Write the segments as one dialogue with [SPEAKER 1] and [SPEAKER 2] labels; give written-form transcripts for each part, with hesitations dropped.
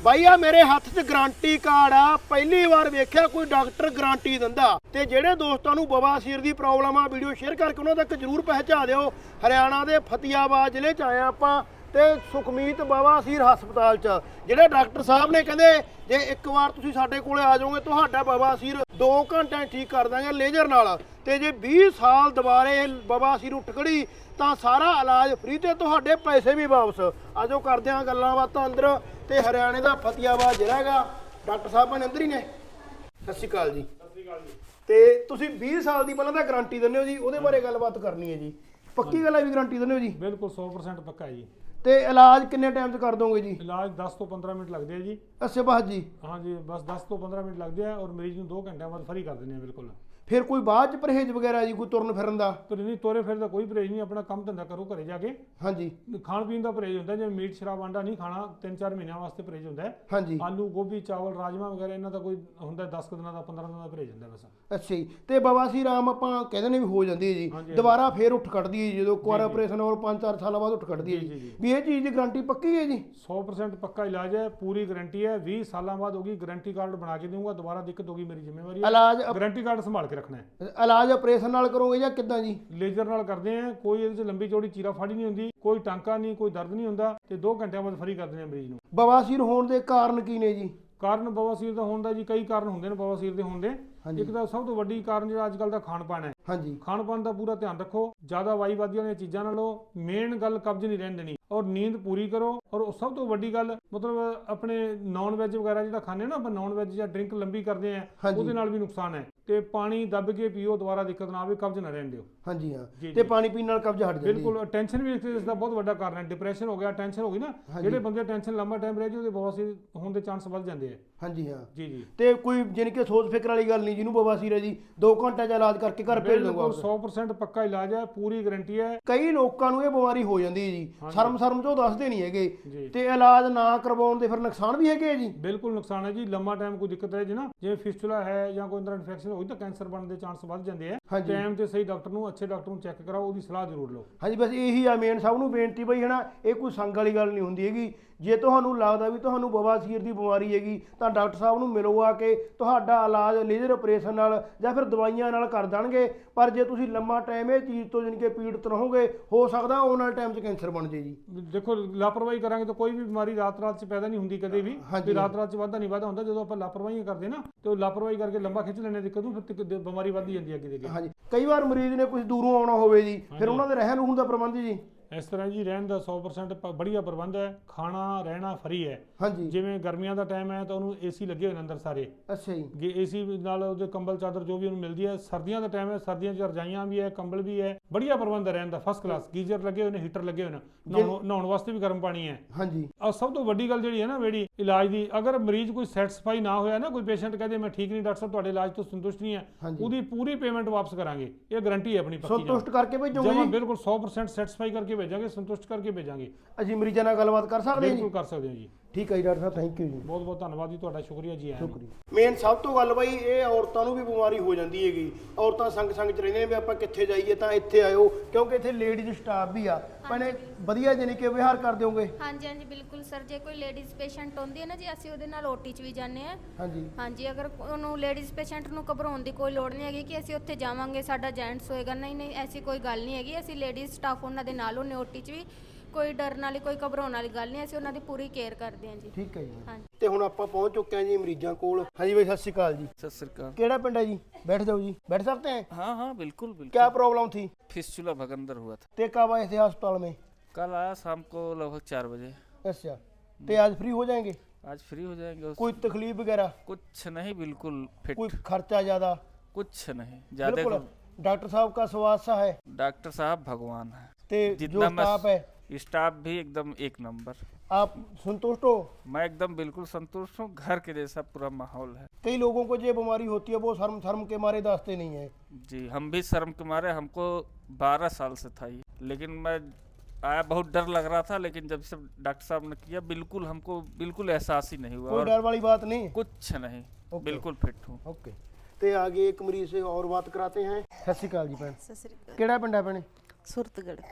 [SPEAKER 1] ਬਾਈ ਆ ਮੇਰੇ ਹੱਥ 'ਚ ਗਾਰੰਟੀ ਕਾਰਡ ਆ। ਪਹਿਲੀ ਵਾਰ ਵੇਖਿਆ ਕੋਈ ਡਾਕਟਰ ਗਾਰੰਟੀ ਦਿੰਦਾ। ਤੇ ਜਿਹੜੇ ਦੋਸਤਾਂ ਨੂੰ ਬਵਾਸੀਰ ਦੀ ਪ੍ਰੋਬਲਮ ਆ, ਵੀਡੀਓ ਸ਼ੇਅਰ ਕਰਕੇ ਉਹਨਾਂ ਤੱਕ ਜਰੂਰ ਪਹੁੰਚਾ ਦਿਓ। ਹਰਿਆਣਾ ਦੇ ਫਤਿਆਬਾਦ ਜ਼ਿਲ੍ਹੇ 'ਚ ਆਏ ਆਪਾਂ ਤੇ ਸੁਖਮੀਤ ਬਵਾਸੀਰ ਹਸਪਤਾਲ 'ਚ ਜਿਹੜੇ ਡਾਕਟਰ ਸਾਹਿਬ ਨੇ ਕਹਿੰਦੇ ਜੇ ਇੱਕ ਵਾਰ ਤੁਸੀਂ ਸਾਡੇ ਕੋਲੇ ਆ ਜਾਓਗੇ ਤੁਹਾਡਾ ਬਵਾਸੀਰ 2 ਘੰਟਿਆਂ 'ਚ ਠੀਕ ਕਰ ਦਾਂਗੇ ਲੇਜ਼ਰ ਨਾਲ। ਤੇ ਜੇ 20 ਸਾਲ ਦੁਬਾਰੇ ਬਵਾਸੀਰ ਉੱਠ ਖੜੀ ਤਾਂ ਸਾਰਾ ਇਲਾਜ ਫ੍ਰੀ ਤੇ ਤੁਹਾਡੇ ਪੈਸੇ ਵੀ ਵਾਪਸ। ਆਜੋ ਕਰਦੇ ਹਾਂ ਗੱਲਾਂ ਬਾਤਾਂ ਅੰਦਰ। ਤੇ ਹਰਿਆਣੇ ਦਾ ਫਤਿਆਬਾਦ ਜ਼ਿਲ੍ਹਾ ਹੈਗਾ। ਡਾਕਟਰ ਸਾਹਿਬ ਬਣੇ ਅੰਦਰ ਹੀ ਨੇ। ਸਤਿ ਸ਼੍ਰੀ ਅਕਾਲ ਜੀ।
[SPEAKER 2] ਸਤਿ ਸ਼੍ਰੀ ਅਕਾਲ ਜੀ।
[SPEAKER 1] ਤੇ ਤੁਸੀਂ 20 ਸਾਲ ਦੀ ਪਹਿਲਾਂ ਤਾਂ ਗਾਰੰਟੀ ਦਿੰਦੇ ਹੋ ਜੀ, ਉਹਦੇ ਬਾਰੇ ਗੱਲਬਾਤ ਕਰਨੀ ਹੈ ਜੀ। ਪੱਕੀ ਗੱਲ ਹੈ ਵੀ ਗਾਰੰਟੀ ਦਿੰਦੇ ਹੋ ਜੀ?
[SPEAKER 2] ਬਿਲਕੁਲ 100% ਪੱਕਾ ਹੈ ਜੀ।
[SPEAKER 1] ਤੇ ਇਲਾਜ ਕਿੰਨੇ ਟਾਈਮ 'ਚ ਕਰ ਦੋਗੇ ਜੀ?
[SPEAKER 2] ਇਲਾਜ 10 ਤੋਂ 15 ਮਿੰਟ ਲੱਗਦੇ ਆ ਜੀ।
[SPEAKER 1] ਅੱਛਾ ਬਾਤ ਜੀ।
[SPEAKER 2] ਹਾਂ ਜੀ, ਬਸ 10 ਤੋਂ 15 ਮਿੰਟ ਲੱਗਦੇ ਆ ਔਰ ਮਰੀਜ਼ ਨੂੰ 2 ਘੰਟਿਆਂ ਬਾਅਦ ਫਰੀ ਕਰ ਦਿੰਦੇ ਆ। ਬਿਲਕੁਲ।
[SPEAKER 1] ਫਿਰ ਕੋਈ ਬਾਅਦ 'ਚ ਪਰਹੇਜ਼ ਵਗੈਰਾ ਜੀ, ਕੋਈ ਤੁਰਨ ਫਿਰਨ ਦਾ?
[SPEAKER 2] ਪਰ ਨਹੀਂ, ਤੋਰੇ ਫਿਰ ਦਾ ਕੋਈ ਪਰਹੇਜ਼ ਨਹੀਂ। ਆਪਣਾ ਕੰਮ ਧੰਦਾ ਕਰੋ ਘਰੇ ਜਾ ਕੇ।
[SPEAKER 1] ਹਾਂਜੀ।
[SPEAKER 2] ਖਾਣ ਪੀਣ ਦਾ ਪਰਹੇਜ਼ ਹੁੰਦਾ, ਜਿਵੇਂ ਮੀਟ ਸ਼ਰਾਬ ਆਂਡਾ ਨਹੀਂ ਖਾਣਾ। 3-4 ਮਹੀਨਿਆਂ ਵਾਸਤੇ ਪਰਹੇਜ਼ ਹੁੰਦਾ ਹੈ।
[SPEAKER 1] ਹਾਂਜੀ।
[SPEAKER 2] ਆਲੂ ਗੋਭੀ ਚਾਵਲ ਰਾਜਮਾ ਵਗੈਰਾ ਇਹਨਾਂ ਦਾ ਕੋਈ ਹੁੰਦਾ 10 ਦਿਨਾਂ ਦਾ 15 ਦਿਨਾਂ ਦਾ ਪਰਹੇਜ਼ ਹੁੰਦਾ ਬਸ।
[SPEAKER 1] ਅੱਛਾ ਜੀ। ਤੇ ਬਵਾਸੀਰ ਆਮ ਆਪਾਂ ਕਹਿੰਦੇ ਨੇ ਵੀ ਹੋ ਜਾਂਦੀ ਹੈ ਜੀ, ਦੁਬਾਰਾ ਫੇਰ ਉੱਠ ਖੜਦੀ ਹੈ ਜੀ ਜਦੋਂ ਇੱਕ ਵਾਰ ਆਪਰੇਸ਼ਨ ਹੋਰ 5-4 ਸਾਲਾਂ ਬਾਅਦ ਉੱਠ ਖੜਦੀ ਹੈ ਜੀ। ਵੀ ਇਹ ਚੀਜ਼ ਦੀ ਗਾਰੰਟੀ ਪੱਕੀ ਹੈ ਜੀ?
[SPEAKER 2] 100% ਪੱਕਾ ਇਲਾਜ ਹੈ, ਪੂਰੀ ਗਾਰੰਟੀ ਹੈ। 20 ਸਾਲਾਂ ਬਾਅਦ ਹੋਗੀ, ਗਾਰੰਟੀ ਕਾਰਡ ਬਣਾ ਕੇ ਦਊਂਗਾ। ਦੁਬਾਰਾ ਦਿੱਕਤ ਹੋਗੀ ਮੇਰੀ ਜ਼ਿੰਮੇਵਾਰੀ ਹੈ।
[SPEAKER 1] ਇਲਾਜ
[SPEAKER 2] ਗਾਰੰਟੀ ਕਾਰਡ ਸੰਭਾਲ ਕੇ ਰੱਖਣਾ ਹੈ।
[SPEAKER 1] ਇਲਾਜ ਆਪਰੇਸ਼ਨ ਨਾਲ ਕਰੋਗੇ ਜਾਂ ਕਿੱਦਾਂ ਜੀ?
[SPEAKER 2] ਲੇਜ਼ਰ ਨਾਲ ਕਰਦੇ ਆ। ਕੋਈ ਇਹਦੇ 'ਚ ਲੰਬੀ ਚੌੜੀ ਚੀਰਾ ਫਾੜੀ ਨਹੀਂ ਹੁੰਦੀ, ਕੋਈ ਟਾਂਕਾ ਨਹੀਂ, ਕੋਈ ਦਰਦ ਨਹੀਂ ਹੁੰਦਾ ਤੇ 2 ਘੰਟਿਆਂ ਬਾਅਦ ਫਰੀ ਕਰ ਦਿੰਦੇ ਆ ਮਰੀਜ਼ ਨੂੰ।
[SPEAKER 1] ਬਵਾਸੀਰ ਹੋਣ ਦੇ ਕਾਰਨ ਕੀ ਨੇ ਜੀ?
[SPEAKER 2] ਕਾਰਨ ਬਵਾਸੀਰ ਦਾ ਹੋਣ ਦਾ ਜੀ ਕਈ ਕਾਰਨ ਹੁੰਦੇ ਨੇ ਬਵਾਸੀਰ ਦੇ ਹੋਣ ਦੇ। ਇੱਕ ਤਾਂ ਸਭ ਤੋਂ ਵੱਡੀ ਕਾਰਨ ਜਿਹੜਾ ਅੱਜ ਕੱਲ੍ਹ ਦਾ ਖਾਣ ਪਾਣ ਹੈ।
[SPEAKER 1] ਹਾਂਜੀ।
[SPEAKER 2] ਖਾਣ ਪਾਣ ਦਾ ਪੂਰਾ ਧਿਆਨ ਰੱਖੋ। ਜ਼ਿਆਦਾ ਵਾਈਵਾਦੀਆਂ ਦੀਆਂ ਚੀਜ਼ਾਂ ਨਾ ਲਓ। ਮੇਨ ਗੱਲ ਕਬਜ਼ ਨਹੀਂ ਰਹਿਣ ਦੇਣੀ ਔਰ ਨੀਂਦ ਪੂਰੀ ਕਰੋ। ਔਰ ਸਭ ਤੋਂ ਵੱਡੀ ਗੱਲ ਮਤਲਬ ਆਪਣੇ ਨਾਨ ਵੈਜ ਵਗੈਰਾ ਜਿਹੜਾ ਖਾਂਦੇ ਨਾ ਆਪਾਂ, ਨਾਨ ਵੈਜ ਜਾਂ ਡਰਿੰਕ ਲੰਬੀ ਕਰਦੇ ਆ, ਉਹਦੇ ਨਾਲ ਵੀ ਨੁਕਸਾਨ ਹੈ। ਤੇ ਪਾਣੀ ਦੱਬ ਕੇ ਪੀਓ, ਦੁਬਾਰਾ ਦਿੱਕਤ ਨਾ ਆਵੇ, ਕਬਜ਼ ਨਾ ਰਹਿਣ ਦਿਓ।
[SPEAKER 1] ਹਾਂਜੀ ਹਾਂ। ਤੇ ਪਾਣੀ ਪੀਣ ਨਾਲ ਕਬਜ਼ ਹਟ ਜਾਂਦੀ ਹੈ।
[SPEAKER 2] ਬਿਲਕੁਲ। ਟੈਨਸ਼ਨ ਵੀ ਇਸ ਦਾ ਬਹੁਤ ਵੱਡਾ ਕਾਰਨ ਹੈ। ਡਿਪਰੈਸ਼ਨ ਹੋ ਗਿਆ, ਟੈਨਸ਼ਨ ਹੋ ਗਈ ਨਾ, ਜਿਹੜੇ ਬੰਦੇ ਟੈਨਸ਼ਨ ਲੰਬਾ ਟਾਈਮ ਰਹਿ ਜੀ ਉਹਦੇ ਬਵਾਸੀਰ ਹੋਣ ਦੇ ਚਾਂਸ ਵੱਧ ਜਾਂਦੇ ਆ।
[SPEAKER 1] ਹਾਂਜੀ ਹਾਂ।
[SPEAKER 2] ਜੀ ਜੀ।
[SPEAKER 1] ਤੇ ਕੋਈ ਜਾਣੀ ਕਿ ਸੋਚ ਫਿਕਰ ਵਾਲੀ ਗੱਲ ਨਹੀਂ, ਜਿਹਨੂੰ ਬਵਾਸੀਰ ਹੈ ਜੀ 2 ਘੰਟਿਆਂ 'ਚ ਇਲਾਜ ਕਰਕੇ ਘਰ ਭੇਜ ਦਊਗਾ।
[SPEAKER 2] 100% ਪੱਕਾ ਇਲਾਜ ਹੈ, ਪੂਰੀ ਗਾਰੰਟੀ ਹੈ।
[SPEAKER 1] ਕਈ ਲੋਕਾਂ ਨੂੰ ਇਹ ਬਿਮਾਰੀ ਹੋ ਜਾਂਦੀ ਹੈ ਜੀ, ਸ਼ਰਮ ਚੋਂ ਦੱਸਦੇ ਨਹੀਂ ਹੈਗੇ।
[SPEAKER 2] ਜੀ।
[SPEAKER 1] ਤੇ ਇਲਾਜ ਨਾ ਕਰਵਾਉਣ ਦੇ ਫਿਰ ਨੁਕਸਾਨ ਵੀ ਹੈਗੇ ਜੀ?
[SPEAKER 2] ਬਿਲਕੁਲ ਨੁਕਸਾਨ ਹੈ ਜੀ। ਲੰਮਾ ਟਾਈਮ ਕੋਈ ਦਿੱਕਤ ਹੈ ਜੀ ਨਾ, ਜਿਵੇਂ ਫਿਸਟੂਲਾ ਹੈ ਜਾਂ ਕੋਈ ਅੰਦਰ ਇਨਫੈਕਸ਼ਨ ਹੋਈ ਤਾਂ ਕੈਂਸਰ ਬਣਨ ਦੇ ਚਾਂਸ ਵੱਧ ਜਾਂਦੇ ਆ। ਟਾਈਮ ਤੇ ਸਹੀ ਡਾਕਟਰ ਨੂੰ, ਅੱਛੇ ਡਾਕਟਰ ਨੂੰ ਚੈੱਕ ਕਰਾਓ, ਉਹਦੀ ਸਲਾਹ ਜ਼ਰੂਰ ਲਓ।
[SPEAKER 1] ਹਾਂਜੀ, ਬਸ ਇਹੀ ਆ ਮੇਨ ਸਭ ਨੂੰ ਬੇਨਤੀ ਬਈ ਹੈ ਨਾ। ਇਹ ਕੋਈ ਸੰਗ ਵਾਲੀ ਗੱਲ ਨਹੀਂ ਹੁੰਦੀ ਹੈਗੀ। ਜੇ ਤੁਹਾਨੂੰ ਲੱਗਦਾ ਵੀ ਤੁਹਾਨੂੰ ਬਵਾਸੀਰ ਦੀ ਬਿਮਾਰੀ ਹੈਗੀ ਤਾਂ ਡਾਕਟਰ ਸਾਹਿਬ ਨੂੰ ਮਿਲੋ ਆ ਕੇ। ਤੁਹਾਡਾ ਇਲਾਜ ਲੇਜ਼ਰ ਆਪਰੇਸ਼ਨ ਨਾਲ ਜਾਂ ਫਿਰ ਦਵਾਈਆਂ ਨਾਲ ਕਰ ਦੇਣਗੇ। ਪਰ ਜੇ ਤੁਸੀਂ ਲੰਮਾ ਟਾਈਮ ਇਹ ਚੀਜ਼ ਤੋਂ ਜਾਣੀ ਕਿ ਪੀੜਤ ਰਹੋਗੇ, ਹੋ ਸਕਦਾ ਆਉਣ ਵਾਲੇ ਟਾਈਮ 'ਚ ਕੈਂਸਰ ਬਣ ਜੇ ਜੀ।
[SPEAKER 2] ਦੇਖੋ, ਲਾਪਰਵਾਹੀ ਕਰਾਂਗੇ ਤਾਂ ਕੋਈ ਵੀ ਬਿਮਾਰੀ ਰਾਤ-ਰਾਤ 'ਚ ਪੈਦਾ ਨਹੀਂ ਹੁੰਦੀ ਕਦੇ ਵੀ। ਰਾਤ-ਰਾਤ 'ਚ ਵਾਧਾ ਨਹੀਂ ਵਾਧਾ ਹੁੰਦਾ। ਜਦੋਂ ਆਪਾਂ ਲਾਪਰਵਾਹੀਆਂ ਕਰਦੇ ਨਾ ਤੇ ਉਹ ਲਾਪਰਵਾਹੀ ਕਰਕੇ ਲੰਬਾ ਖਿੱਚ ਲੈਣੇ ਦਿੱਕਤ ਨੂੰ, ਫਿਰ ਬਿਮਾਰੀ ਵੱਧਦੀ ਜਾਂਦੀ ਹੈ ਅੱਗੇ ਦੇ ਅੱਗੇ।
[SPEAKER 1] ਹਾਂਜੀ। ਕਈ ਵਾਰ ਮਰੀਜ਼ ਨੇ ਕੁਝ ਦੂਰੋਂ ਆਉਣਾ ਹੋਵੇ ਜੀ, ਫਿਰ ਉਹਨਾਂ ਦੇ ਰਹਿਣ ਰੂਹਣ ਦਾ ਪ੍ਰਬੰਧ ਜੀ?
[SPEAKER 2] ਇਸ ਤਰ੍ਹਾਂ ਜੀ, ਰਹਿਣ ਦਾ 100% ਬੜੀਆ ਪ੍ਰਬੰਧ ਹੈ। ਖਾਣਾ ਰਹਿਣਾ ਫਰੀ ਹੈ।
[SPEAKER 1] ਹਾਂਜੀ।
[SPEAKER 2] ਜਿਵੇਂ ਗਰਮੀਆਂ ਦਾ ਟਾਈਮ ਹੈ ਤਾਂ ਉਹਨੂੰ ਏਸੀ ਲੱਗੇ ਹੋਏ ਨੇ ਅੰਦਰ ਸਾਰੇ।
[SPEAKER 1] ਅੱਛਾ ਜੀ।
[SPEAKER 2] ਏਸੀ ਨਾਲ ਉਹਦੇ ਕੰਬਲ ਚਾਦਰ ਜੋ ਵੀ ਉਹਨੂੰ ਮਿਲਦੀ ਹੈ। ਸਰਦੀਆਂ ਦਾ ਟਾਈਮ ਹੈ, ਸਰਦੀਆਂ 'ਚ ਰਜਾਈਆਂ ਵੀ ਹੈ, ਕੰਬਲ ਵੀ ਹੈ। ਬੜੀਆ ਪ੍ਰਬੰਧ ਹੈ ਰਹਿਣ ਦਾ, ਫਸਟ ਕਲਾਸ। ਗੀਜ਼ਰ ਲੱਗੇ ਹੋਏ ਨੇ, ਹੀਟਰ ਲੱਗੇ ਹੋਏ ਨੇ, ਨਹਾਉਣ ਵਾਸਤੇ ਵੀ ਗਰਮ ਪਾਣੀ ਹੈ।
[SPEAKER 1] ਹਾਂਜੀ।
[SPEAKER 2] ਔਰ ਸਭ ਤੋਂ ਵੱਡੀ ਗੱਲ ਜਿਹੜੀ ਹੈ ਨਾ ਜਿਹੜੀ ਇਲਾਜ ਦੀ, ਅਗਰ ਮਰੀਜ਼ ਕੋਈ ਸੈਟੀਸਫਾਈ ਨਾ ਹੋਇਆ ਨਾ, ਕੋਈ ਪੇਸ਼ੈਂਟ ਕਹਦੇ ਮੈਂ ਠੀਕ ਨਹੀਂ ਡਾਕਟਰ ਸਾਹਿਬ, ਤੁਹਾਡੇ ਇਲਾਜ ਤੋਂ ਸੰਤੁਸ਼ਟ ਨਹੀਂ ਹੈ, ਉਹਦੀ ਪੂਰੀ ਪੇਮੈਂਟ ਵਾਪਸ ਕਰਾਂਗੇ। ਇਹ ਗਾਰੰਟੀ ਹੈ ਆਪਣੀ ਪੱਕੀ।
[SPEAKER 1] ਸੰਤੁਸ਼ਟ ਕਰਕੇ ਭੇਜੋਗੇ
[SPEAKER 2] ਜੀ? ਬਿਲਕੁਲ 100% ਸੈਟੀਸਫਾਈ ਕਰਕੇ ਭੇਜਾਂਗੇ, ਸੰਤੁਸ਼ਟ ਕਰਕੇ ਭੇਜਾਂਗੇ।
[SPEAKER 1] ਅਸੀਂ ਮਰੀਜ਼ਾਂ ਨਾਲ ਗੱਲਬਾਤ ਕਰ ਸਕਦੇ ਹਾਂ ਜੀ?
[SPEAKER 2] ਬਿਲਕੁਲ ਕਰ ਸਕਦੇ ਹਾਂ ਜੀ।
[SPEAKER 1] ਠੀਕ ਹੈ ਜੀ ਡਾਕਟਰ ਸਾਹਿਬ, ਥੈਂਕ ਯੂ ਜੀ।
[SPEAKER 2] ਬਹੁਤ ਬਹੁਤ ਧੰਨਵਾਦ ਜੀ ਤੁਹਾਡਾ, ਸ਼ੁਕਰੀਆ ਜੀ।
[SPEAKER 1] ਸ਼ੁਕਰੀਆ। ਮੇਨ ਸਭ ਤੋਂ ਗੱਲ ਬਾਈ ਇਹ ਔਰਤਾਂ ਨੂੰ ਵੀ ਬਿਮਾਰੀ ਹੋ ਜਾਂਦੀ ਹੈਗੀ। ਔਰਤਾਂ ਸੰਗ ਚ ਰਹਿੰਦੇ ਨੇ ਵੀ ਆਪਾਂ ਕਿੱਥੇ ਜਾਈਏ ਤਾਂ ਇੱਥੇ ਆਇਓ, ਕਿਉਂਕਿ ਇੱਥੇ ਲੇਡੀਜ਼ ਸਟਾਫ ਵੀ ਆ। ਭੈਣੇ ਵਧੀਆ ਜਾਨੀ ਕਿ ਵਿਹਾਰ ਕਰ ਦਿਓਗੇ?
[SPEAKER 3] ਹਾਂਜੀ ਹਾਂਜੀ ਬਿਲਕੁਲ ਸਰ। ਜੇ ਕੋਈ ਲੇਡੀਜ਼ ਪੇਸ਼ੈਂਟ ਹੁੰਦੀ ਹੈ ਨਾ ਜੀ, ਅਸੀਂ ਉਹਦੇ ਨਾਲ ਓਟੀ 'ਚ ਵੀ ਜਾਂਦੇ ਹਾਂ।
[SPEAKER 1] ਹਾਂਜੀ
[SPEAKER 3] ਹਾਂਜੀ। ਅਗਰ ਉਹਨੂੰ ਲੇਡੀਜ਼ ਪੇਸ਼ੈਂਟ ਨੂੰ ਘਬਰਾਉਣ ਦੀ ਕੋਈ ਲੋੜ ਨਹੀਂ ਹੈਗੀ ਕਿ ਅਸੀਂ ਉੱਥੇ ਜਾਵਾਂਗੇ ਸਾਡਾ ਜੈਂਟਸ ਹੋਏਗਾ, ਨਹੀਂ ਐਸੀ ਕੋਈ ਗੱਲ ਨਹੀਂ ਹੈਗੀ। ਅਸੀਂ ਲੇਡੀਜ਼ ਸਟਾਫ ਉਹਨਾਂ ਦੇ ਨਾਲ ਹੁੰਦੇ ਓਟੀ 'ਚ ਵੀ। ਕੋਈ ਡਰਨ ਵਾਲੀ, ਕੋਈ ਘਬਰਾਉਣ ਵਾਲੀ ਗੱਲ ਨਹੀਂ। ਅਸੀਂ ਉਹਨਾਂ ਦੀ ਪੂਰੀ ਕੇਅਰ ਕਰਦੇ ਹਾਂ ਜੀ।
[SPEAKER 1] ਠੀਕ ਹੈ ਜੀ।
[SPEAKER 3] ਹਾਂਜੀ।
[SPEAKER 1] ਤੇ ਹੁਣ ਆਪਾਂ ਪਹੁੰਚ ਚੁੱਕੇ ਹਾਂ ਜੀ ਮਰੀਜ਼ਾਂ ਕੋਲ। ਹਾਂਜੀ ਬਾਈ, ਸਤਿ ਸ਼੍ਰੀ ਅਕਾਲ ਜੀ।
[SPEAKER 4] सत श्रीकाल।
[SPEAKER 1] ਕਿਹੜਾ ਪਿੰਡ ਹੈ ਜੀ? बैठ जाओ जी। बैठ सकते हैं?
[SPEAKER 4] हाँ हाँ बिल्कुल बिल्कुल।
[SPEAKER 1] क्या प्रॉब्लम थी?
[SPEAKER 4] फिस्टुला भगंदर हुआ था।
[SPEAKER 1] ते कब आए थे अस्पताल में?
[SPEAKER 4] कल आया शाम को लगभग 4 बजे।
[SPEAKER 1] अच्छा। ते आज फ्री हो जाएंगे?
[SPEAKER 4] आज फ्री हो जाएंगे।
[SPEAKER 1] कोई तकलीफ वगैरह?
[SPEAKER 4] कुछ नहीं, बिल्कुल फिट।
[SPEAKER 1] कोई खर्चा ज्यादा?
[SPEAKER 4] कुछ नहीं ज्यादा।
[SPEAKER 1] बिल्कुल। डॉक्टर साहब का स्वाद सा है?
[SPEAKER 4] डॉक्टर साहब भगवान है।
[SPEAKER 1] ते जो स्टाफ है?
[SPEAKER 4] स्टाफ भी एकदम एक नंबर।
[SPEAKER 1] आप संतुष्ट हो?
[SPEAKER 4] मैं एकदम बिल्कुल संतुष्ट हूँ। घर के जैसा पूरा माहौल है।
[SPEAKER 1] कई लोगों को जो बीमारी होती है वो शर्म के मारे दास्ते नहीं है।
[SPEAKER 4] जी, हम भी शर्म के मारे, हमको 12 साल से था ये, लेकिन मैं आया बहुत डर लग रहा था, लेकिन जब से डॉक्टर साहब ने किया बिल्कुल हमको बिल्कुल एहसास ही नहीं हुआ।
[SPEAKER 1] कोई डर वाली बात नहीं?
[SPEAKER 4] कुछ नहीं, बिल्कुल फिट हूँ।
[SPEAKER 1] ओके। ਤੇ आगे एक मरीज से और बात कराते हैं। सत श्री अकाल जी भैन।
[SPEAKER 5] सत श्री अकाल।
[SPEAKER 1] ਕਿਹੜਾ ਪਿੰਡ ਹੈ ਭੈਣੇ?
[SPEAKER 5] सुरतगढ़।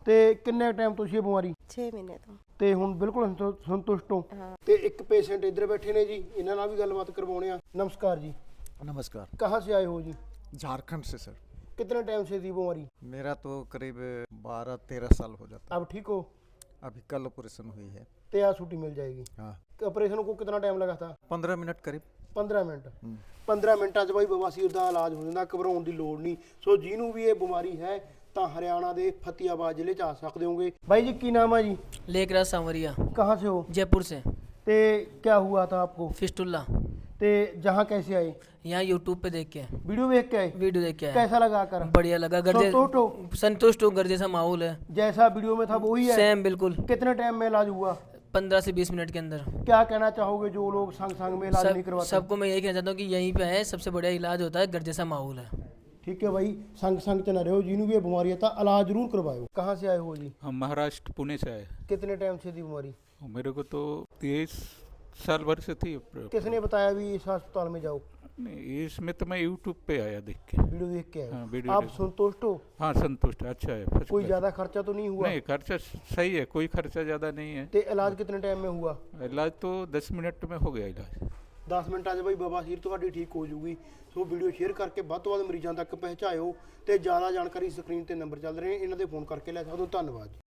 [SPEAKER 1] ਤੇ ਕਿੰਨੇ ਟਾਈਮ ਤੋਂ ਸੀ ਇਹ ਬਿਮਾਰੀ?
[SPEAKER 5] 6 ਮਹੀਨੇ ਤੋਂ।
[SPEAKER 1] ਤੇ ਹੁਣ ਬਿਲਕੁਲ ਸੰਤੁਸ਼ਟ ਹੋ? ਤੇ ਇੱਕ ਪੇਸ਼ੈਂਟ ਇੱਧਰ ਬੈਠੇ ਨੇ ਜੀ, ਇਹਨਾਂ ਨਾਲ ਵੀ ਗੱਲਬਾਤ ਕਰਵਾਉਣੇ ਆ। नमस्कार जी।
[SPEAKER 6] नमस्कार।
[SPEAKER 1] कहाँ से आए हो जी?
[SPEAKER 6] झारखंड से सर।
[SPEAKER 1] कितने टाइम से थी बीमारी?
[SPEAKER 6] मेरा तो करीब 12-13 साल हो जाता है।
[SPEAKER 1] अब ठीक हो?
[SPEAKER 6] अभी कल ऑपरेशन हुई है।
[SPEAKER 1] तो आज छुट्टी मिल जाएगी।
[SPEAKER 6] हाँ,
[SPEAKER 1] ऑपरेशन को कितना टाइम लगा था?
[SPEAKER 6] 15 मिनट करीब।
[SPEAKER 1] 15 ਮਿੰਟ। 15 ਮਿੰਟਾਂ 'ਚ ਬਾਈ ਬਵਾਸੀਰ ਦਾ ਇਲਾਜ ਹੋ ਜਾਂਦਾ, ਘਬਰਾਉਣ ਦੀ ਲੋੜ ਨਹੀਂ। ਸੋ ਜਿਹਨੂੰ ਵੀ ਇਹ ਬਿਮਾਰੀ ਹੈ ਤਾਂ ਹਰਿਆਣਾ ਦੇ ਫਤਿਆਬਾਦ ਜ਼ਿਲ੍ਹੇ 'ਚ ਆ ਸਕਦੇ ਹੋਗੇ। ਬਾਈ ਜੀ ਕੀ ਨਾਮ ਹੈ ਜੀ?
[SPEAKER 7] लेकराज सांवरिया,
[SPEAKER 1] कहाँ से हो?
[SPEAKER 7] जयपुर से।
[SPEAKER 1] ते क्या हुआ था आपको?
[SPEAKER 7] फिस्टुल्ला।
[SPEAKER 1] ते जहाँ कैसे आए?
[SPEAKER 7] यहाँ यूट्यूब पे देख के,
[SPEAKER 1] वीडियो देख के आए?
[SPEAKER 7] वीडियो देख के आया।
[SPEAKER 1] कैसा लगा कर?
[SPEAKER 7] बढ़िया लगा।
[SPEAKER 1] संतुष्ट हो?
[SPEAKER 7] संतुष्ट हूँ। घर जैसा माहौल है,
[SPEAKER 1] जैसा वीडियो में था वही है?
[SPEAKER 7] सेम बिल्कुल।
[SPEAKER 1] कितने टाइम में इलाज हुआ?
[SPEAKER 7] 15 से 20 मिनट के अंदर।
[SPEAKER 1] क्या कहना चाहोगे जो लोग संग में इलाज नहीं करवाते?
[SPEAKER 7] सबको मैं यही कहना चाहता हूँ कि यहीं पे है, सबसे बढ़िया इलाज होता है, घर जैसा माहौल है।
[SPEAKER 1] ठीक है भाई, संग च न रहो, जिन्हों भी ये बीमारी है इलाज जरूर करवाओ। कहाँ से आए हो जी?
[SPEAKER 8] हम महाराष्ट्र पुणे से आए।
[SPEAKER 1] कितने टाइम से थी बीमारी?
[SPEAKER 8] मेरे को तो 23 साल भर से थी।
[SPEAKER 1] किसने बताया भी इस अस्पताल में जाओ?
[SPEAKER 8] नहीं, इसमें तो मैं यूट्यूब पे आया देख के।
[SPEAKER 1] वीडियो देख के आए?
[SPEAKER 8] हाँ, वीडियो
[SPEAKER 1] आप
[SPEAKER 8] देख-
[SPEAKER 1] संतुष्ट हो?
[SPEAKER 8] हाँ, संतुष्ट, अच्छा है, first
[SPEAKER 1] कोई
[SPEAKER 8] class।
[SPEAKER 1] ज्यादा खर्चा तो नहीं हुआ?
[SPEAKER 8] नहीं, खर्चा सही है, कोई खर्चा ज़्यादा नहीं है।
[SPEAKER 1] ते इलाज कितने टाइम में हुआ?
[SPEAKER 8] इलाज तो 10 मिनट में हो गया इलाज।
[SPEAKER 1] 10 ਮਿੰਟਾਂ 'ਚ ਬਈ ਬਵਾਸੀਰ ਤੁਹਾਡੀ ਠੀਕ ਹੋ ਜੂਗੀ। ਸੋ ਵੀਡੀਓ ਸ਼ੇਅਰ ਕਰਕੇ ਵੱਧ ਤੋਂ ਵੱਧ ਮਰੀਜ਼ਾਂ ਤੱਕ ਪਹੁੰਚਾਇਓ ਤੇ ਜ਼ਿਆਦਾ ਜਾਣਕਾਰੀ ਸਕਰੀਨ ਤੇ ਨੰਬਰ ਚੱਲ ਰਹੇ ਨੇ, ਇਹਨਾਂ ਦੇ ਫੋਨ ਕਰਕੇ ਲੈ ਸਕਦੇ ਹੋ। ਧੰਨਵਾਦ।